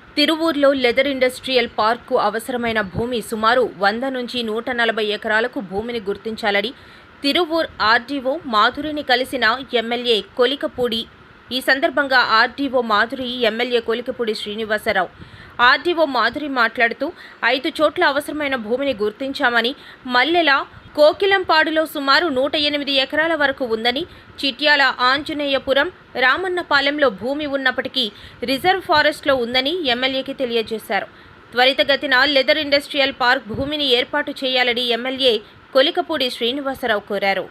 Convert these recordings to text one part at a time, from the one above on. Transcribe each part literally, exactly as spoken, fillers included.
తిరువూరులో leather industrial park అవసరమైన భూమి సుమారు వంద నుంచి నూట నలభై ఎకరాలకు భూమిని గుర్తించాలని తిరువూర్ ఆర్డీఓ మాధురిని కలిసిన ఎమ్మెల్యే కొలికపూడి. ఈ సందర్భంగా RDO Madhuri MLA Kolikapudi Srinivasarao RDO Madhuri మాట్లాడుతూ ఐదు చోట్ల అవసరమైన భూమిని గుర్తించామని, మల్లెల కోకిలంపాడులో సుమారు నూట ఎనిమిది ఎకరాల వరకు ఉందని, చిట్యాల ఆంజనేయపురం రామన్నపాలెంలో భూమి ఉన్నప్పటికీ రిజర్వ్ ఫారెస్ట్లో ఉందని ఎమ్మెల్యేకి తెలియజేశారు. త్వరితగతిన లెదర్ ఇండస్ట్రియల్ పార్క్ భూమిని ఏర్పాటు చేయాలని ఎమ్మెల్యే కొలికపూడి శ్రీనివాసరావు కోరారు.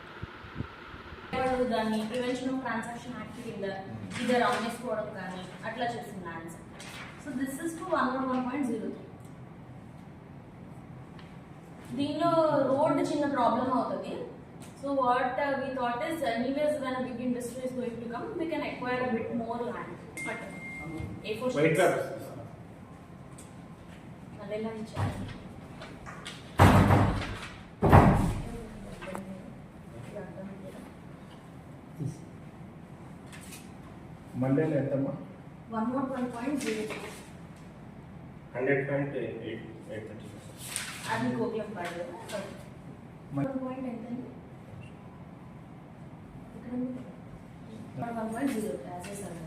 దీనిలో రోడ్ చిన్న ప్రాబ్లమ్ అవుతుంది. So what we thought is anyways when a big industry is going to come we can acquire a bit more land. But a four weight lab అదేలా ఇచ్చారు. మండేలో ఎంతమ్మా? One naught one point zero hundred point eight eight thirty అది కోకిలం పాడు one point ఎంతండి ఇక్కడ one point zero యాసేసారు.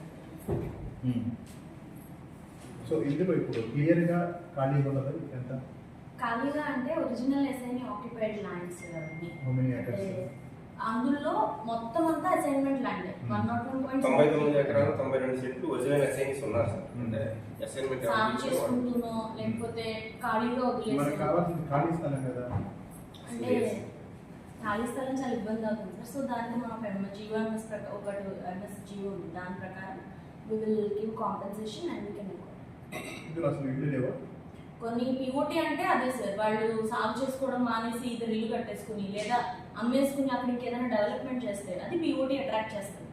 సో ఇందులో ఇప్పుడు క్లియర్గా ఖాళీ ఉన్నది ఎంత? ఖాళీగా అంటే ఒరిజినల్ ఎస్ఐని ఆక్యుపైడ్ ల్యాండ్స్ అవన్నీ. అందులో మొత్తం అంతా assignment land one naught one point తొంభై తొమ్మిది ఎకరాలు తొంభై రెండు సెంట్లు ఒరిజినల్ అసైన్స్ ఉన్నారు సార్. అంటే అసైన్మెంట్ సాగు చేసుకుంటున్నాం లేకపోతే ఖాళీగా వదిలేసాం. కావాల్సింది ఖాళీ స్థలం కదా, అంటే ఖాళీ స్థలం చాలా ఇబ్బంది అవుతుంది సార్. సో దాన్ని మనం జీవో ఎంఎస్ ఒకటి ఎంఎస్ జీవో ఉంది, దాని ప్రకారం we will give compensation and we can ఇందులో అసలు ఇల్లు లేవా? కొన్ని పిఓటీ అంటే అదే సార్, వాళ్ళు సాగు చేసుకోవడం మానేసి ఇద్దరు ఇల్లు కట్టేసుకుని లేదా అమ్మేసుకుని అక్కడ ఇంకేదైనా డెవలప్మెంట్ చేస్తే అది పిఓటీ అట్రాక్ట్ చేస్తుంది.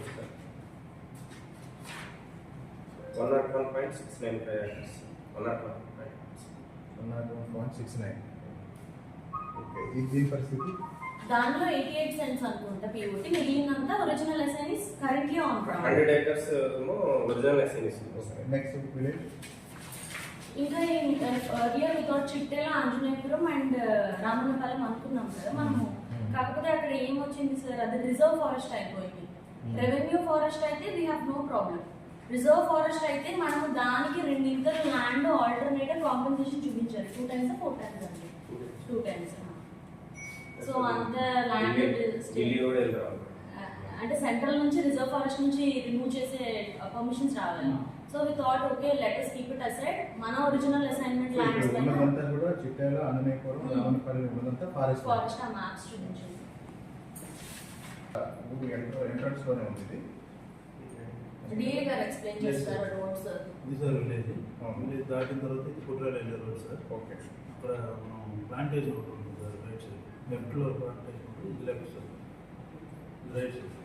One naught one point six nine one naught one one naught one point six nine okay. ఇది పరిస్థితి దానిలో ఎయిటీ ఎయిట్ సెంట్స్ అనుకుంటా పిఓటీ, మిగిలినంతా original assignees currently on ground. Hundred acres original assignees. Next village ఇంకా earlier without Chittela Anjaneyapuram and Ramannapalem అనుకున్నాం కదా మనము. కాకపోతే అక్కడ ఏమొచ్చింది సార్, అది రిజర్వ్ ఫారెస్ట్ అయిపోయింది. రెవెన్యూ ఫారెస్ట్ అయితే we have no problem. Reserve forest అయితే మనము దానికి రెండింతలు ల్యాండ్ ఆల్టర్నేటివ్ కాంపెన్సేషన్ చూపించారు. టూ టైమ్స్ ఫోర్ టైమ్స్ అండి, టూ టైమ్స్. సో అంత ల్యాండ్ అంటే సెంట్రల్ నుంచి రిజర్వ్ ఫారెస్ట్ నుంచి రిమూవ్ చేసే పర్మిషన్స్ రావాలి. So we thought okay let us keep it aside. మన ఒరిజినల్ అసైన్మెంట్ ల్యాండ్స్ పైన ఉన్నదంతా కూడా చిట్యాల ఆంజనేయపురం రామన్నపాలెం ఉన్నదంతా ఫారెస్ట్ ఫారెస్ట్ ఆ మ్యాప్స్ చూపించండి. ఊరు ఎంట్రన్స్ లోనే ఉంది ఇది. డిఏ గారు ఎక్స్ప్లెయిన్ చేస్తారు రోడ్ సార్. ఇది సార్ విలేజ్ విలేజ్ దాటిన తర్వాత ఇది కుట్రాల వెళ్ళే రోడ్ సార్. ఓకే. ఇక్కడ మనం ప్లాంటేషన్ ఒకటి ఉంటుంది సార్, రైట్ సైడ్ లెఫ్ట్లో ప్లాంటేషన్ ఉంటుంది, ఇది left sir, right side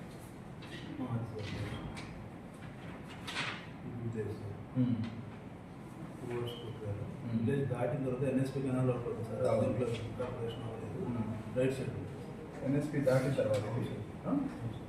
village sir. Village దాటిన తర్వాత ఎన్ఎస్పీ కెనాల్ ఒకటి ఉంటుంది సార్, దీంట్లో కార్పొరేషన్ అవ్వలేదు. రైట్ సైడ్ ఎన్ఎస్పీ దాటిన తర్వాత